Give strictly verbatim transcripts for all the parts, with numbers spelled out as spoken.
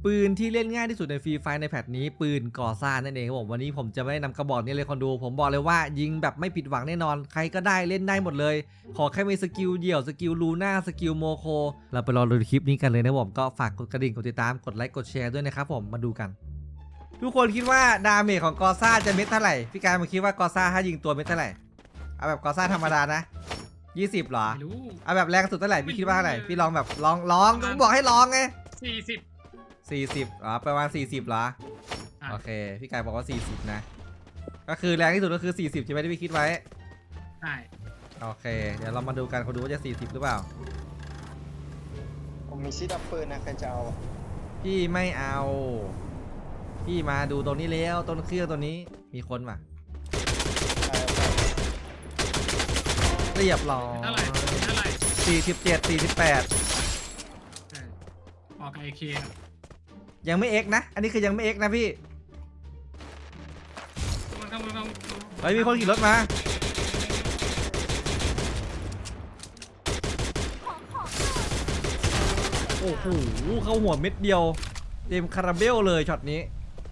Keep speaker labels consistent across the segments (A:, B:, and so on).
A: ปืนที่เล่นง่ายที่สุดในฟรีไฟในแพทนี้ปืนก่อสร้างนั่นเองครับผมวันนี้ผมจะไม่นำกระบอกนี้เลยคนดูผมบอกเลยว่ายิงแบบไม่ผิดหวังแน่นอนใครก็ได้เล่นได้หมดเลยขอแค่มีสกิลเดี่ยวสกิลลูน่าสกิลโมโคเราไปรอดูคลิปนี้กันเลยนะผมก็ฝากกดกระดิ่งกดติดตามกดไลค์กดแชร์ด้วยนะครับผมมาดูกันทุกคนคิดว่าดาเมจของกอซ่าจะเม็ดเท่าไหร่พี่การมาคิดว่ากอซ่าถ้ายิงตัวเม็ดเท่าไหร่เอาแบบกอซ่าธรรมดานะยี่สิบเหรอเอาแบบแรงสุดเท่าไหร่พี่คิดว่าเท่าไหร่พี่ลองแบบลองลองต้องบอกให้ลองไง
B: สี่สิบ
A: สี่สิบอ๋อประมาณสี่สิบเหรอโอเคพี่กายบอกว่าสี่สิบนะก็คือแรงที่สุดก็คือสี่สิบใช่ไหมที่พี่คิดไว้
B: ใช่
A: โอเคเดี๋ยวเรามาดูกันเขาดูว่าจะสี่สิบหรือเปล่า
C: ผมมีซีดับปืนนะใครจะเอา
A: พี่ไม่เอาพี่มาดูตรงนี้แล้วต้นเครื่องตัวนี้มีคนป่ะเรียบร้อย
B: เท่าไหร่เท่าไหร่
A: สี่สิบเจ็ดสี่สิบแปด
B: ออกไอเค
A: ยังไม่เอ็กนะอันนี้คือยังไม่เอ็กนะพี่เฮ้ยมีคนขี่รถมาโอ้โหเข้าหัวเม็ดเดียวเต็มคาราเบลเลยช็อตนี้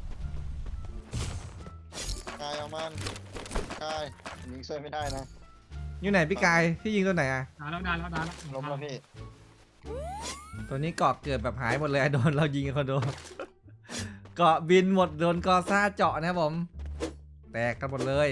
C: กายเอามันกายยิงช่วยไม่ได้นะ
A: อยู่ไหนพี่กายพี่ยิงตัวไหนอะ
B: ดาแล้วดาแล้วดาแล้ว
C: ล้มแล้วพี่
A: ตัวนี้เกาะเกิดแบบหายหมดเลยโดนเรายิงคนโดนเกาะบินหมดโดนกอซ่าเจาะนะครับผมแตกกันหมดเลย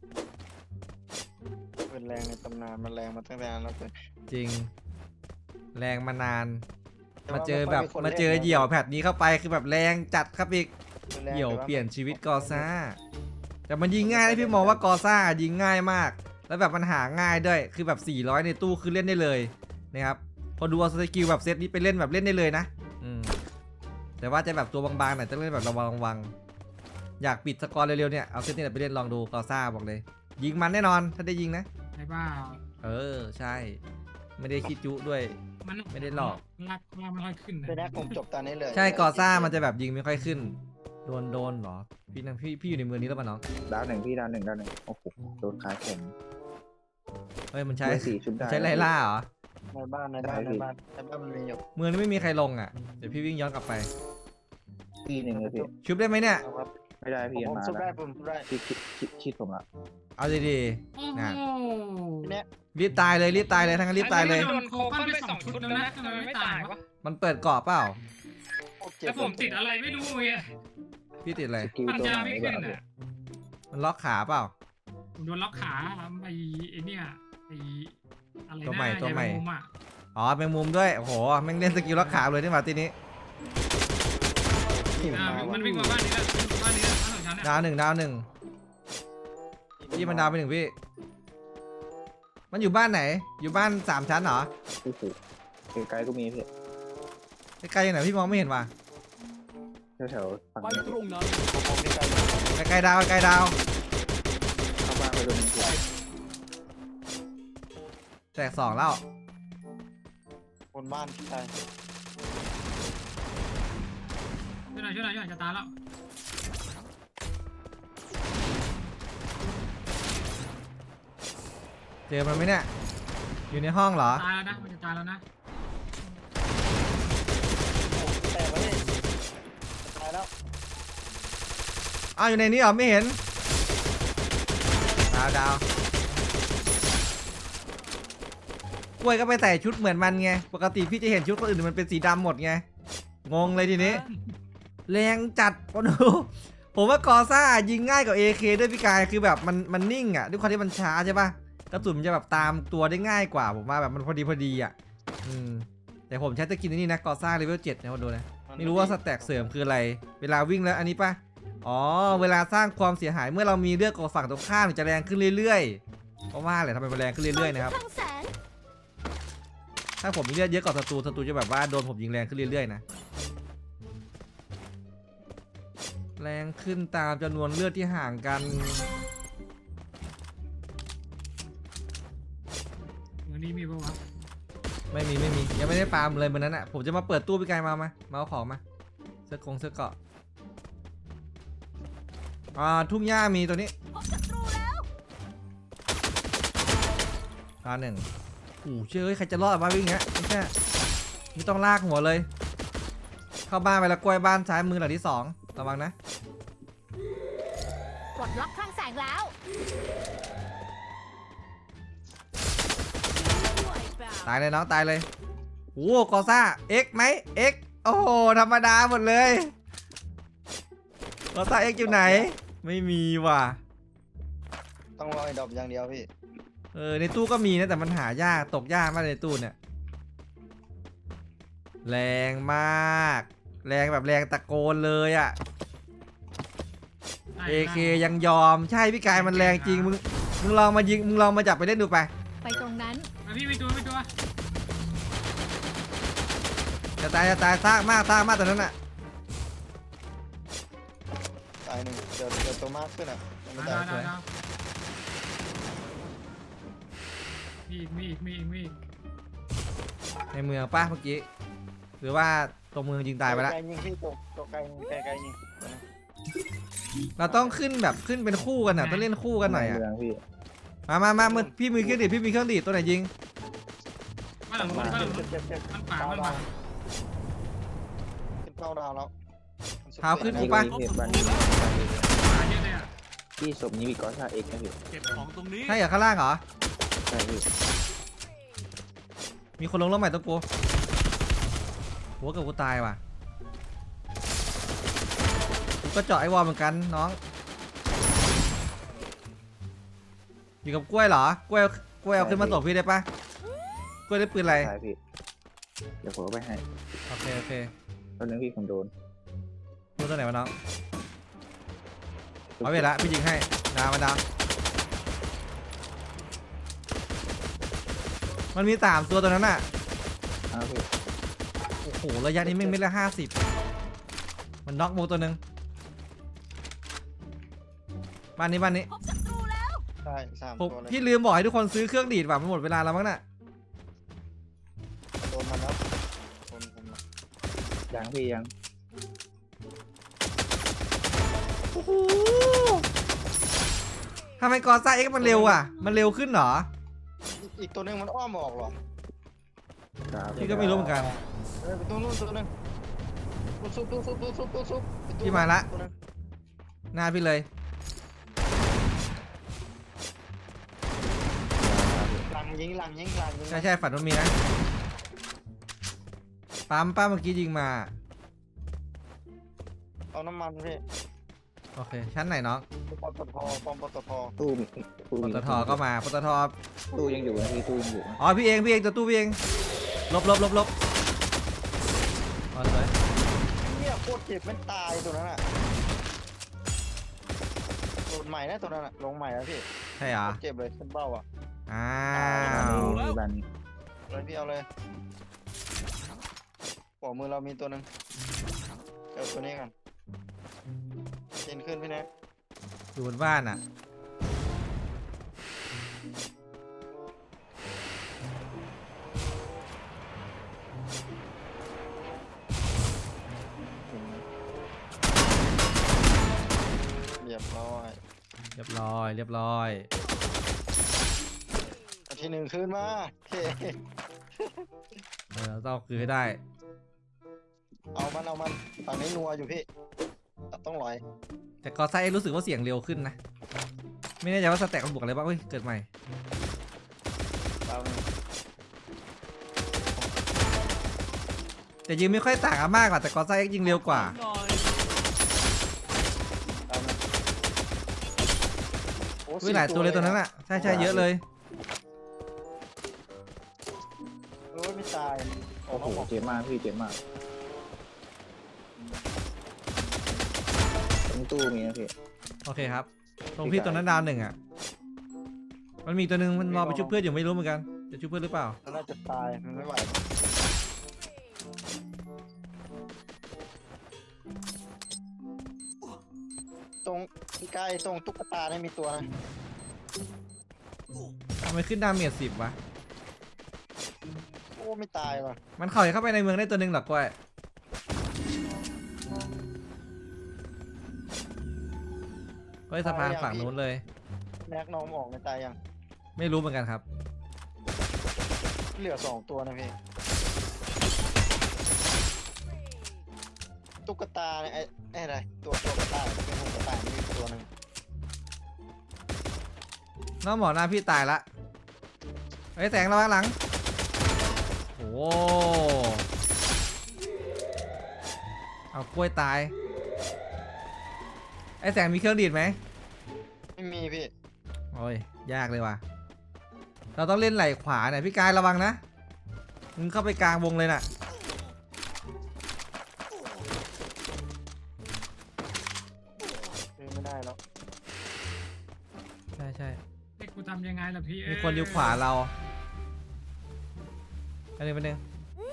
C: เป็นแรงในตำนานมันแรงมาตั้งแต่นานแล้วเลย
A: จริงแรงมานานมาเจอแบบมาเจอเหยี่ยวแพทนี้เข้าไปคือแบบแรงจัดครับอีกเหยี่ยวเปลี่ยนชีวิตกอซ่าแต่มันยิงง่ายนะพี่มองว่ากอซ่ายิงง่ายมากแล้วแบบมันหาง่ายด้วยคือแบบสี่ร้อยในตู้คือเล่นได้เลยนะครับพอดูเอาสกิลแบบเซตนี้ไปเล่นแบบเล่นได้เลยนะอืมแต่ว่าจะแบบตัวบางๆหน่อยจะเล่นแบบระวังๆอยากปิดสกอร์เร็วๆเนี่ยเอาเซตนี้ไปเล่นลองดูกอซ่าบอกเลยยิงมันแน่นอนถ้าได้ยิงนะ
B: ใช่เปล่า
A: เออใช่ไม่ได้คิดจุด้วยไม่ได้หลอก
B: ลากลากไม่ค่อยขึ้นนะ
C: เป็นแรกผมจบตอนนี้เลย
A: ใช่กอซ่ามันจะแบบยิงไม่ค่อยขึ้นโดนโดนหรอพี่นั่งพี่พี่อยู่ในเมืองนี้แล้วป่ะน้อง
D: ดาวหนึ่งพี่ดาวหนึ่งดาวหนึ่งโอ้โหโดนขาแข็ง
A: เฮ้ยมันใช้
D: สี่ชุดได้
A: ใช้ไล่ล่าเหรอ
C: ในบ้านในบ้านในบ้านในบ้านมันมีอยู่
A: เมืองนี้ไม่มีใครลงอ่ะเดี๋ยวพี่วิ่งย้อนกลับไป
D: ทีหนึ่งเลยพี่
A: ชุบได้ไหมเนี่ย
D: ไม่ได้พี่
C: ผม
D: มา
C: ชุบได้ผมชุบได้
D: ชิดชิดชิดชิดผมละ
A: เอาดีๆนะ
C: เนี่ย
A: รีบตายเลยรีบตายเลยทั้งนั้นรีบตายเลย
B: โดนโคปั้นไปสองชุดแล้วนะทำไมไม่ตายวะ
A: มันเปิดเกาะเปล่า
B: แล้วผมติดอะไรไม่รู้เลย
A: พี่ติดอะไร
B: ปัญญาไม่ขึ้นอ่ะ
A: มันล็อกขาเปล่า
B: โดนล็อกขาไอ้ไอ้เนี่ยไอ้อะไร
A: ตัวใหม่ตัวใหม่
B: อ่ะ
A: อ๋อแมงมุมด้วยโอ้โหแม่งเล่นสกิลล็อกขาเลยที่มาทีนี้
B: มันวิ่งมาบ้านนี้แล้วบ้านนี้แล้วบ้านของฉัน
A: ดาวหนึ่งดาวหนึ่งพี่มันดาวไปหนึ่งพี่มันอยู่บ้านไหนอยู่บ้านสามชั้นเหรอ
D: โอ้โหไกลๆก็มีพี่
A: ไกลๆไหนพี่มองไม่เห็นว่ะ
D: แถวๆฝั่งนี้
A: ไกลๆดาวไกลๆดาว
D: เข้าบ้านไปโดนยิง
A: แตกสองแล้ว
C: บนบ้านใช่
B: ช่วยหน่อยช่วยหน่อยช่วยหน่อยจะตายแล้ว
A: เจอมันไหมเนี่ยอยู่ในห้องเหรอ
B: ตายแล้วนะมันจะตายแล้วนะ
C: แตกแล้วนี่ตายแล้ว
A: อ้าวอยู่ในนี้เหรอไม่เห็นดาวดาวกล้วยก็ไปใส่ชุดเหมือนมันไงปกติพี่จะเห็นชุดคนอื่นมันเป็นสีดำหมดไงงงเลยทีนี้แรงจัดปะดูผมว่ากอซ่ายิงง่ายกว่า เอ เค ด้วยพี่กายคือแบบมันมันนิ่งอ่ะด้วยความที่มันช้าใช่ปะกระสุนมันจะแบบตามตัวได้ง่ายกว่าผมว่าแบบมันพอดีพอดีอ่ะอืมแต่ผมใช้ตะกินนี่นะกอซ่าเลเวลเจ็ดนะมาดูนะไม่รู้ว่าสแต็กเสริมคืออะไรเวลาวิ่งแล้วอันนี้ปะอ๋อเวลาสร้างความเสียหายเมื่อเรามีเลือดกับฝั่งตรงข้ามจะแรงขึ้นเรื่อยๆเพราะว่าอะไรทำไมมันแรงขึ้นเรื่อยๆนะครับถ้าผมมีเลือดเยอะกว่าศัตรูศัตรูจะแบบว่าโดนผมยิงแรงขึ้นเรื่อยๆนะแรงขึ้นตามจำนวนเลือดที่ห่างกัน
B: วันนี้มีปะวะ
A: ไม่มีไม่มียังไม่ได้ปาล์มเลยเหมือนนั้นอ่ะผมจะมาเปิดตู้พี่กายมามามาเอาของมาเสื้อคงเสื้อเกาะอ่าทุ่งหญ้ามีตัวนี้ตาหนึ่งโอ้เชื่อใครจะรอดมาวิ่งเงี้ยไม่ใช่ไม่ต้องลากหัวเลยเข้าบ้านไปแล้วกล้วยบ้านซ้ายมือหลังที่สองระวังนะ
E: ปลดล็อกคลังแสงแล้ว
A: ตายเลยน้องตายเลยโอ้กอซ่าเอ็กไหมเอ็กโอ้โหธรรมดาหมดเลยกอซ่าเอ็กอยู่ไหน ไม่มีว่ะ
C: ต้องรอไอ้ดอกอย่างเดียวพี่
A: เออในตู้ก็มีนะแต่มันหายากตกยากมากในตู้เนี่ยแรงมาก แรงแบบแรงตะโกนเลยอะ เอเคยังยอมใช่พี่กายมันแรงจริงมึงมึงลองมายิงมึงลองมาจับไปเล่นดูไป
E: ไปตรงนั้น
B: มาพี่ไปตัวไปตัว
A: จะตายจะตายซากมากซากมากตอนนั้นอะ
C: ตายหนึ่งเจอเจอตัวมากขึ้นอ่ะยังไม่
B: ดา
C: ตา
B: วย ดาวดาวมีอีกมีอีกมีอีกมีอีก
A: ในเมืองป้าเมื่อกี้หรือว่าตรงเมืองยิงตายไปแล้ว
C: ไกลยิงพี่ตัวตัวไกลยิงไกลไกลยิง
A: เราต้องขึ้นแบบขึ้นเป็นคู่กันอะต้องเล่นคู่กันหน่อยอะ
D: เมืองพี่
A: มามามามือพี่มีเครื่องดีดพี่มีเครื่องดีดตัวไหนยิง
B: มาหลังรถมาหลังร
C: เจ็
B: ถ
C: บเจ็บเจ็บ
B: มันป่ามันมา
C: ขึ้นเข้าดาวแล้ว
A: เท้าขึ้น
D: พี่
A: ปะ
D: พี่บ้าน
B: ป่าเยอะเลยอ่ะ
D: พี่ศพนี้มีกอซ่าเอ็กนะพี่
F: เก็บของตรงนี้
A: ใช่เหรอข้างล่างเหรอ
D: ใช่พี่
A: มีคนลงรถใหม่ตัวกูหัวกับกูตายว่ะกูก็เจาะไอ้วอลเหมือนกันน้องอยู่กับกล้วยเหรอกล้วยกล้วยเอาขึ้นมาตบพี่ได้ปะกล้วยได้ปืนอะไร
D: ใช่พี่เดี๋ยวผมเอาไปให้
A: โอเคโอเค
D: ตอนนึงพี่ผมโดน
A: ดูตัวไหนวะน้องเอาไปละพี่ยิงให้ดาวมาดาวมันมีสามตัวตัวนั้นอ่ะ
D: อ้าวพี่
A: โอ้โหระยะนี้แม่งเม็ดละห้าสิบมันน็อกมูตัวหนึ่งบ้านนี้บ้านนี้
E: พบศัตรูแล้ว
C: ใช่สาม
A: ผม
C: ตัวเลย
A: พี่ลืมบอกให้ทุกคนซื้อเครื่องดีดว่ะมันหมดเวลาแล้วมั้งน่ะ
C: โดนมันแล้วโดนผมแล้ว
D: ยังพี่ยัง
A: โอ้โหทำไมกอซ่าเอ็กซ์มันเร็วอ่ะมันเร็วขึ้นเหรอ
C: อีกอีกตัวหนึงมันอ้อมออกเหรอ
D: ครับ
A: พี่ก็ไม่รู้เหมือนกัน
C: เออไปตัวนู้นตัวหนึงซุบซุบซุบซุบซุบซุบซุบไปตัว
A: พี่มาละ
C: ตัวหนึ่ง
A: หน้าพี่เลย
C: หลังยิงหลังยิงหลังยิง
A: ใช่ใช่ฝันว่ามีนะปั๊มป้าเมื่อกี้ยิงมา
C: เอาน้ำมันพี่
A: โอเคชั้นไหนน้อง
C: ปตทปอมปตท
D: ตู้มีตู้
A: ป
D: มี
A: ตทก็มาปตท
D: ตู้ยังอยู่นะพี่ตู้ยังอยู่นะ
A: อ๋อพี่เองพี่เองตัวตู้พี่เองลบลบลบลบอ๋อสวย
C: เนี่ยโคตรเจ็บมันตายตัวนั้นอ่ะโหลดใหม่นะตัวนั้นอ่ะลงใหม่แล้วพี่
A: ใช่เหรอ
C: เจ็บเลยขึ้นเบ้าอ่ะ
A: อ้า
D: บ้าน
A: ว
D: นี้มีบ้านนี้
C: เลยพี่เอาเลยปอกมือเรามีตัวหนึ่งเจอตัวนี้กันเจนขึ้นพี่แน็ก
A: อยู่บนบ้านอ่ะ
C: เรียบร้อย
A: เรียบร้อยเรียบร้อย
C: เอาที่หนึ่งขึ้นมาโอเค
A: เออต้องคือให้ได้
C: เอามันเอามันฝั่งนี้นัวอยู่พี่ต้องลอย
A: แต่กอไซรู้สึกว่าเสียงเร็วขึ้นนะ ไม่แน่ใจว่าสแต็กมันบวกอะไรบ้างเฮ้ยเกิดใหม่
C: เอาหนึ่ง
A: แต่ยิงไม่ค่อยต่างกันมากกว่าแต่กอไซยิงเร็วกว่า
F: หน่อย
C: เอาหนึ่งโอ้
A: วิ่งหลายตัวเลยตัวนั้นอ่ะใช่ใช่เยอะเลย
C: โอ้ยไม่ตาย
D: โอ้โหเจ็บมากพี่เจ็บมากตรงตู้มีนะพี่
A: โอเคครับ ตรงพี่ตัวนั้นดาวหนึ่งอ่ะ มันมีตัวหนึ่งมันรอไปชุบเพื่อนอยู่ไม่รู้เหมือนกัน จะชุบเพื่อนหรือเปล่า
C: มันน่าจะตายมันไม่ไหวตรงใกล้ตรงตุ๊กตาเนี่ยมีตัวนะ
A: ทำไมขึ้นดาเมจสิบวะ
C: โอ้ไม่ตายว่ะ
A: มันเข่าเข้าไปในเมืองได้ตัวหนึ่งหรอกก้อยเฮ้ยสะพานฝั่งนู้นเลย
C: แม็กน้องออกในตายยัง
A: ไม่รู้เหมือนกันครับ
C: เหลือสองตัวนะพี่ตุ๊กตาเนี่ยไอ้ไอ้อะไรตัวตัวกระต่ายเป็นหุ่นกระต่ายมีอีกตัวหนึ่ง
A: น้องหมอหน้าพี่ตายละไอ้ยแสงระวังหลังโอ้เอากล้วยตายไอ้แสงมีเครื่องดีดไหม
C: ไม่มีพี่
A: โอ้ยยากเลยว่ะเราต้องเล่นไหล่ขวาเนี่ยพี่กายระวังนะมึงเข้าไปกลางวงเลยน่ะ
C: ซื้อไม่ได้แล้ว
A: ใช่ใช่
B: เด็กกูทำยังไงล่ะพี่
A: มีคนอยู่ขวาเราอันนี้เป็นหนึ่ง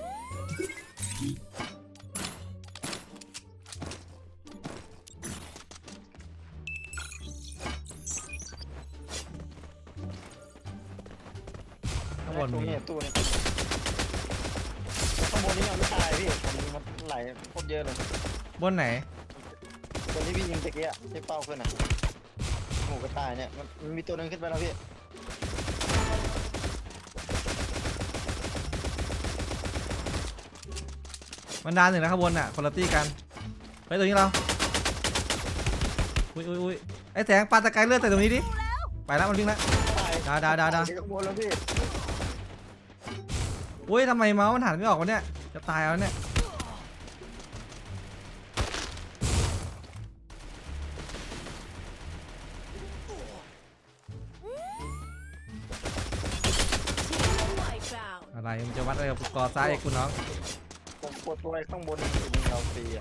A: ข้างบน
C: ตู้
A: มี
C: นี้ตู้นี้ข้างบนนี้ยังไม่ตายพี่ผมยิงมันไหลโคตรเยอะเลย
A: บนไหน
C: คนที่พี่ยิงตะกี้อะที่เป้าขึ้นอ่ะหมูกระต่ายเนี่ยมันมันมีตัวหนึงขึ้นไปแล้วพี่
A: มันดานหนึ่งนะข้างบนน่ะคนละตี้กันเฮ้ยตรงนี้เราอุ้ยอุ้ยอุ้ยไอ้แสงปาตะไคร้เลือดใส่ตรงนี้ดิไปแล้วมันวิ่งแล้ว
C: ตาย
A: ดาวดาวดาวดาว
C: ข้างบนแล้วพี่
A: อุ้ยทำไมเมาส์มันหันไม่ออกวะเนี่ยจะตายแล้วเนี่ยอะไรมันจะวัดอะไรกับกอซ้ายไอ้คุณน้อง
C: ผมกดตัวไอ้ข้างบนยิงเราฟรีอ่ะ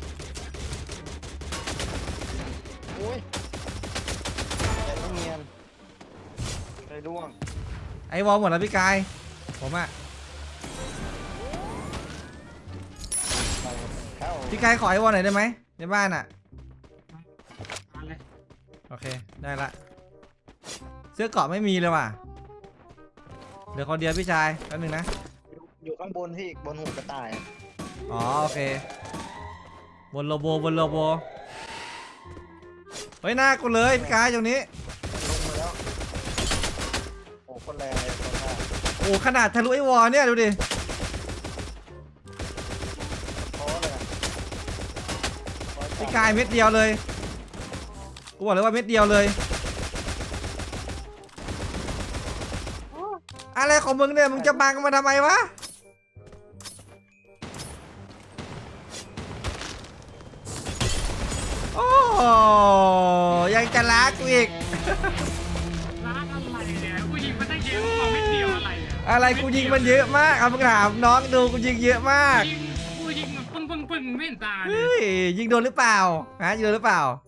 C: โอ้ยแต่ไม่เนียนเลยร่วง
A: ไอ้วอลหมดแล้วพี่กายผมอะ
C: ไปเข้า
A: พี่กายขอไอ้วอลหน่อยได้ไหมในบ้านอะ
B: มาเลย
A: โอเคได้ละเสื้อเกราะไม่มีเลยว่ะเหลือคนเดียวพี่ชายแป๊บนึงนะ
C: อยู่อยู่ข้างบนพี่บนหูกระต่ายอะ
A: อ๋อโอเคบนโลโบบนโลโบเฮ้ยหน้ากูเลยพี่กายตรงนี้
C: ลงมาแล้วโอ้คนแรงเลยคนหน้า
A: โอ้ขนาดทะลุไอ้วอลเนี่ยดูดิ
C: ท้อเลยอะท้อจัด
A: พี่กายเม็ดเดียวเลยกูบอกเลยว่าเม็ดเดียวเลยอะไรของมึงเนี่ยมึงจะบังมาทำไมวะโอ้ยังจะรักกูอีก
B: ร้านอะไรเนี่ยกูยิงมันได้เยอะกว่าไม่เดียวอะไรเนี่ย
A: อะไรกูยิงมันเยอะมากเอามึงถามน้องดูกูยิงเยอะมาก
B: ยิงกูยิงมันปึ้งปึ้งปึ้งไม่เห็นตาเลย
A: เฮ้ยยิงโดนหรือเปล่าฮะยิงโดนหรือเปล่า